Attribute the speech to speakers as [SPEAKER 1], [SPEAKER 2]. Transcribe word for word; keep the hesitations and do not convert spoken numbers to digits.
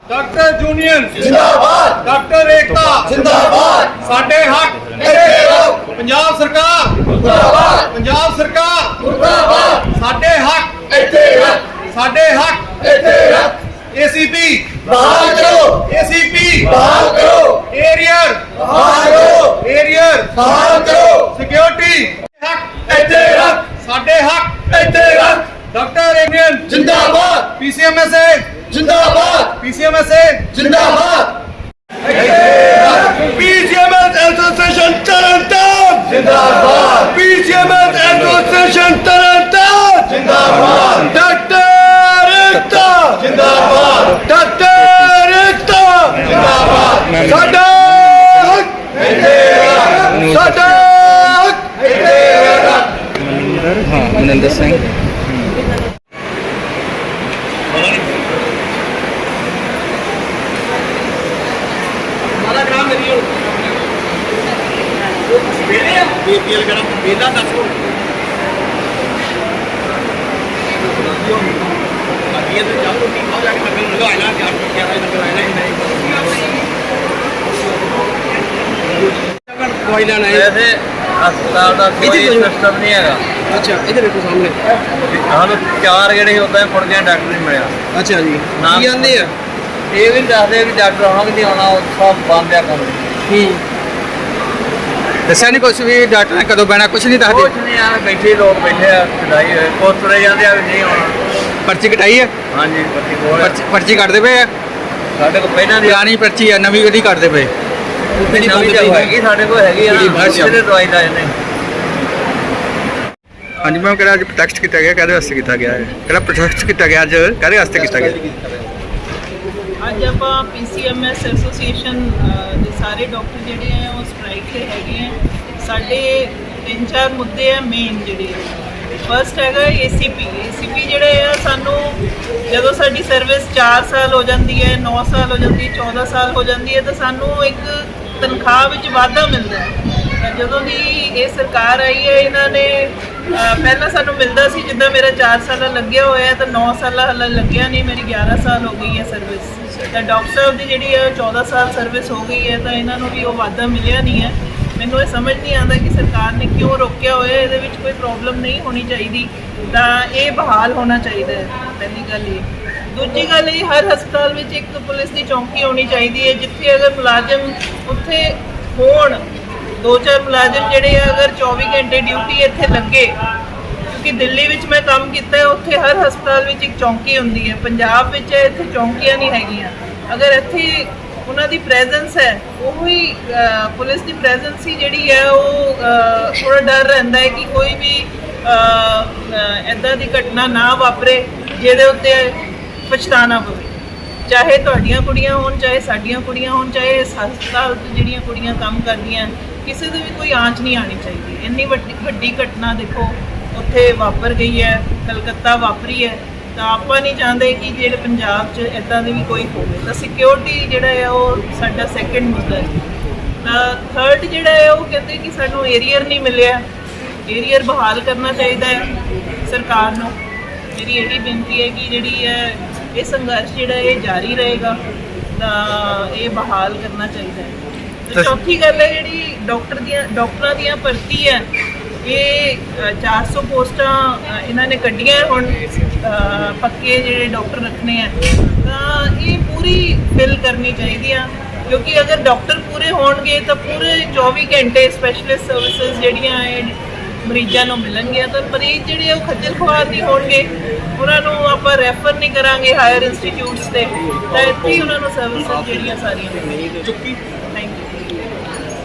[SPEAKER 1] Doctor union
[SPEAKER 2] जिंदाबाद,
[SPEAKER 1] doctor एकता
[SPEAKER 2] जिंदाबाद,
[SPEAKER 1] साडे हक
[SPEAKER 2] ਇੱਥੇ ਰਹੋ,
[SPEAKER 1] पंजाब सरकार
[SPEAKER 2] मुर्दाबाद,
[SPEAKER 1] पंजाब सरकार
[SPEAKER 2] मुर्दाबाद,
[SPEAKER 1] साडे हक
[SPEAKER 2] ਇੱਥੇ ਰੱਖ,
[SPEAKER 1] साडे हक
[SPEAKER 2] ਇੱਥੇ ਰੱਖ,
[SPEAKER 1] एसीपी
[SPEAKER 2] बहाल करो,
[SPEAKER 1] एसीपी
[SPEAKER 2] बहाल करो,
[SPEAKER 1] एरियर
[SPEAKER 2] बहाल करो,
[SPEAKER 1] एरियर
[SPEAKER 2] बहाल करो,
[SPEAKER 1] सिक्योरिटी हक
[SPEAKER 2] ਇੱਥੇ ਰੱਖ,
[SPEAKER 1] साडे हक
[SPEAKER 2] ਇੱਥੇ ਰੱਖ,
[SPEAKER 1] डॉक्टर यूनियन
[SPEAKER 2] जिंदाबाद,
[SPEAKER 1] पीसीएमएस
[SPEAKER 2] जिंदाबाद,
[SPEAKER 1] पीसीएमएस
[SPEAKER 2] जिंदाबाद,
[SPEAKER 1] पीसीएमएस एसोसिएशन तरनताਰਨ
[SPEAKER 2] जिंदाबाद,
[SPEAKER 1] पीसीएमएस एसोसिएशन तरनताਰਨ
[SPEAKER 2] जिंदाबाद,
[SPEAKER 1] डॉक्टर एकता
[SPEAKER 2] जिंदाबाद,
[SPEAKER 1] डॉक्टर एकता
[SPEAKER 2] जिंदाबाद,
[SPEAKER 1] साडा हक
[SPEAKER 2] ਇੱਥੇ ਰੱਖ,
[SPEAKER 1] साडा हक
[SPEAKER 2] ਇੱਥੇ ਰੱਖ,
[SPEAKER 3] हाँ मनिंदर सिंह
[SPEAKER 1] कोई लेना है
[SPEAKER 4] वैसे अस्पताल का कोई सिस्टम नहीं है।
[SPEAKER 1] अच्छा इधर देखो सामने
[SPEAKER 4] हम चार गेड़े होता है मुड़ गया डॉक्टर नहीं मिले।
[SPEAKER 1] अच्छा जी
[SPEAKER 4] नाम
[SPEAKER 1] की आंदे आ
[SPEAKER 4] ये भी दसदे भी डॉक्टर हम नहीं आना सब बंद है काम।
[SPEAKER 3] दस्या नहीं कुछ भी डॉक्टर ने कदों बहना कुछ नहीं दसदे।
[SPEAKER 4] कुछ नहीं आ बैठे लोग बैठे आ खिलाई हुए पोस्ट तुरे जाते आ भी नहीं आना।
[SPEAKER 3] पर्ची कटाई है
[SPEAKER 4] हाँ जी पर्ची बोल
[SPEAKER 3] पर्ची पर्ची कटते पे
[SPEAKER 4] साढ़े को पहला दी
[SPEAKER 3] पुरानी पर्ची है नवी कदी कटते पे
[SPEAKER 4] नवी तो हैगी साढ़े को हैगी ना दवाई ला जाने।
[SPEAKER 3] हाँ जी मैम कहड़ा अज प्रोटेस्ट किया गया कहदे वास्ते किया गया है कहड़ा प्रोटेस्ट किया गया अज कहदे वास्ते किया गया।
[SPEAKER 5] ਅੱਜ ਆਪਾਂ ਪੀਸੀਐਮਐਸ ਐਸੋਸੀਏਸ਼ਨ ਦੇ ਸਾਰੇ ਡਾਕਟਰ ਜਿਹੜੇ ਆ ਉਹ ਸਟ੍ਰਾਈਕ ਤੇ ਹੈਗੇ ਆ। ਸਾਡੇ ਤਿੰਨ ਚਾਰ ਮੁੱਦੇ ਆ ਮੇਨ ਜਿਹੜੇ ਫਸਟ ਹੈਗਾ ਏਸੀਪੀ ਏਸੀਪੀ ਜਿਹੜੇ ਆ ਸਾਨੂੰ ਜਦੋਂ ਸਾਡੀ ਸਰਵਿਸ ਚਾਰ ਸਾਲ ਹੋ ਜਾਂਦੀ ਹੈ ਨੌ ਸਾਲ ਹੋ ਜਾਂਦੀ ਹੈ ਚੌਦਾਂ ਸਾਲ ਹੋ ਜਾਂਦੀ ਹੈ ਤਾਂ ਸਾਨੂੰ ਇੱਕ ਤਨਖਾਹ ਵਿੱਚ ਵਾਧਾ ਮਿਲਦਾ ਹੈ। ਜਦੋਂ ਦੀ ਇਹ ਸਰਕਾਰ ਆਈ ਹੈ ਇਹਨਾਂ ਨੇ ਪਹਿਲਾਂ ਸਾਨੂੰ ਮਿਲਦਾ ਸੀ ਜਿੱਦਾਂ ਮੇਰਾ ਚਾਰ ਸਾਲਾਂ ਲੱਗਿਆ ਹੋਇਆ ਤਾਂ ਨੌ ਸਾਲਾਂ ਹਾਲੇ ਲੱਗਿਆ ਨਹੀਂ ਮੇਰੀ ਗਿਆਰਾਂ ਸਾਲ ਹੋ ਗਈ ਹੈ ਸਰਵਿਸ ਤਾਂ ਡਾਕਟਰ ਸਾਹਿਬ ਦੀ ਜਿਹੜੀ ਹੈ ਚੌਦਾਂ ਸਾਲ ਸਰਵਿਸ ਹੋ ਗਈ ਹੈ ਤਾਂ ਇਹਨਾਂ ਨੂੰ ਵੀ ਉਹ ਵਾਧਾ ਮਿਲਿਆ ਨਹੀਂ ਹੈ। ਮੈਨੂੰ ਇਹ ਸਮਝ ਨਹੀਂ ਆਉਂਦਾ ਕਿ ਸਰਕਾਰ ਨੇ ਕਿਉਂ ਰੋਕਿਆ ਹੋਇਆ ਇਹਦੇ ਵਿੱਚ ਕੋਈ ਪ੍ਰੋਬਲਮ ਨਹੀਂ ਹੋਣੀ ਚਾਹੀਦੀ ਤਾਂ ਇਹ ਬਹਾਲ ਹੋਣਾ ਚਾਹੀਦਾ ਹੈ ਪਹਿਲੀ ਗੱਲ ਇਹ। ਦੂਜੀ ਗੱਲ ਇਹ ਹਰ ਹਸਪਤਾਲ ਵਿੱਚ ਇੱਕ ਪੁਲਿਸ ਦੀ ਚੌਂਕੀ ਹੋਣੀ ਚਾਹੀਦੀ ਹੈ ਜਿੱਥੇ ਅਗਰ ਮੁਲਾਜ਼ਮ ਉੱਥੇ ਹੋਣ ਦੋ ਚਾਰ ਮੁਲਾਜ਼ਮ ਜਿਹੜੇ ਆ ਅਗਰ ਚੌਵੀ ਘੰਟੇ ਡਿਊਟੀ ਇੱਥੇ ਲੱਗੇ ਕਿਉਂਕਿ ਦਿੱਲੀ ਵਿੱਚ ਮੈਂ ਕੰਮ ਕੀਤਾ ਉੱਥੇ ਹਰ ਹਸਪਤਾਲ ਵਿੱਚ ਇੱਕ ਚੌਂਕੀ ਹੁੰਦੀ ਹੈ। ਪੰਜਾਬ ਵਿੱਚ ਇੱਥੇ ਚੌਂਕੀਆਂ ਨਹੀਂ ਹੈਗੀਆਂ। ਅਗਰ ਇੱਥੇ ਉਹਨਾਂ ਦੀ ਪ੍ਰੈਜ਼ੈਂਸ ਹੈ ਉਹੀ ਪੁਲਿਸ ਦੀ ਪ੍ਰੈਜ਼ੈਂਸ ਹੀ ਜਿਹੜੀ ਹੈ ਉਹ ਥੋੜਾ ਡਰ ਰਹਿੰਦਾ ਹੈ ਕਿ ਕੋਈ ਵੀ ਇੱਦਾਂ ਦੀ ਘਟਨਾ ਨਾ ਵਾਪਰੇ ਜਿਹਦੇ ਉੱਤੇ ਪਛਤਾਣਾ ਪਵੇ ਚਾਹੇ ਤੁਹਾਡੀਆਂ ਕੁੜੀਆਂ ਹੋਣ ਚਾਹੇ ਸਾਡੀਆਂ ਕੁੜੀਆਂ ਹੋਣ ਚਾਹੇ ਇਸ ਹਸਪਤਾਲ 'ਚ ਜਿਹੜੀਆਂ ਕੁੜੀਆਂ ਕੰਮ ਕਰਦੀਆਂ ਕਿਸੇ ਦੇ ਵੀ ਕੋਈ ਆਂਚ ਨਹੀਂ ਆਣੀ ਚਾਹੀਦੀ। ਇੰਨੀ ਵੱਡੀ ਵੱਡੀ ਘਟਨਾ ਦੇਖੋ ਉੱਥੇ ਵਾਪਰ ਗਈ ਹੈ ਕਲਕੱਤਾ ਵਾਪਰੀ ਹੈ ਤਾਂ ਆਪਾਂ ਨਹੀਂ ਚਾਹੁੰਦੇ ਕਿ ਜਿਹੜੇ ਪੰਜਾਬ 'ਚ ਇੱਦਾਂ ਦੀ ਵੀ ਕੋਈ ਹੋਵੇ ਤਾਂ ਸਿਕਿਉਰਿਟੀ ਜਿਹੜਾ ਹੈ ਉਹ ਸਾਡਾ ਸੈਕੰਡ ਮੁੱਦਾ ਹੈ। ਤਾਂ ਥਰਡ ਜਿਹੜਾ ਹੈ ਉਹ ਕਹਿੰਦੇ ਕਿ ਸਾਨੂੰ ਏਰੀਅਰ ਨਹੀਂ ਮਿਲਿਆ ਏਰੀਅਰ ਬਹਾਲ ਕਰਨਾ ਚਾਹੀਦਾ ਹੈ ਸਰਕਾਰ ਨੂੰ। ਮੇਰੀ ਇਹੀ ਬੇਨਤੀ ਹੈ ਕਿ ਜਿਹੜੀ ਹੈ ਇਹ ਸੰਘਰਸ਼ ਜਿਹੜਾ ਇਹ ਜਾਰੀ ਰਹੇਗਾ ਤਾਂ ਇਹ ਬਹਾਲ ਕਰਨਾ ਚਾਹੀਦਾ ਹੈ। ਤੇ ਚੌਥੀ ਗੱਲ ਹੈ ਜਿਹੜੀ ਡਾਕਟਰ ਦੀਆਂ ਡਾਕਟਰਾਂ ਦੀਆਂ ਭਰਤੀ ਹੈ ਇਹ ਚਾਰ ਸੌ ਪੋਸਟਾਂ ਇਹਨਾਂ ਨੇ ਕੱਢੀਆਂ ਹੁਣ ਪੱਕੇ ਜਿਹੜੇ ਡਾਕਟਰ ਰੱਖਣੇ ਆ ਤਾਂ ਇਹ ਪੂਰੀ ਫਿਲ ਕਰਨੀ ਚਾਹੀਦੀਆਂ ਕਿਉਂਕਿ ਅਗਰ ਡਾਕਟਰ ਪੂਰੇ ਹੋਣਗੇ ਤਾਂ ਪੂਰੇ ਚੌਵੀ ਘੰਟੇ ਸਪੈਸ਼ਲਿਸਟ ਸਰਵਿਸਿਜ਼ ਜਿਹੜੀਆਂ ਇਹ ਮਰੀਜ਼ਾਂ ਨੂੰ ਮਿਲਣਗੀਆਂ ਤਾਂ ਮਰੀਜ਼ ਜਿਹੜੇ ਉਹ ਖੱਜਲ ਖੁਆਰ ਨਹੀਂ ਹੋਣਗੇ ਉਹਨਾਂ ਨੂੰ ਆਪਾਂ ਰੈਫਰ ਨਹੀਂ ਕਰਾਂਗੇ ਹਾਇਰ ਇੰਸਟੀਚਿਊਟਸ ਤੇ ਤਾਂ ਇੱਥੇ ਹੀ ਉਹਨਾਂ ਨੂੰ ਸਰਵਿਸਿਜ਼ ਜਿਹੜੀਆਂ ਸਾਰੀਆਂ ਮਿਲਣਗੀਆਂ। Thank you.